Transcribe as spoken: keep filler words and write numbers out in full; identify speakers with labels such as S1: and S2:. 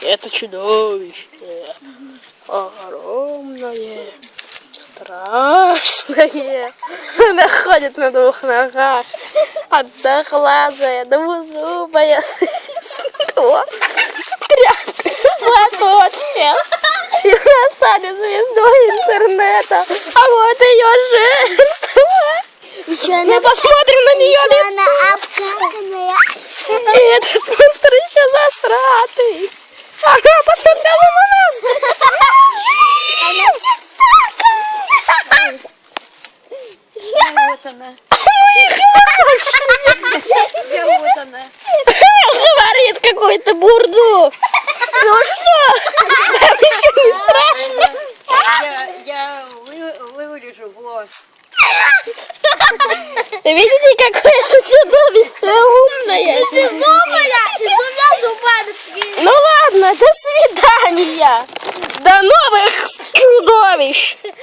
S1: Это чудовище. Огромное. Страшное. Она ходит на двух ногах. Одноглазая, двузубая. Тряпка. Платочек. И она станет звездой интернета. А вот ее жертва. Мы посмотрим на нее лицо. И этот монстр еще засратый. Ага, посмотрела на нас.
S2: Вот она. Вот она.
S1: Говорит какую-то бурду. Ну что? Там еще не страшно.
S2: Я, я вы, вырежу, вот.
S1: Видите, какое это чудовище умное.
S3: Зубая, и с двумя зубами.
S1: Ну ладно, до свидания. До новых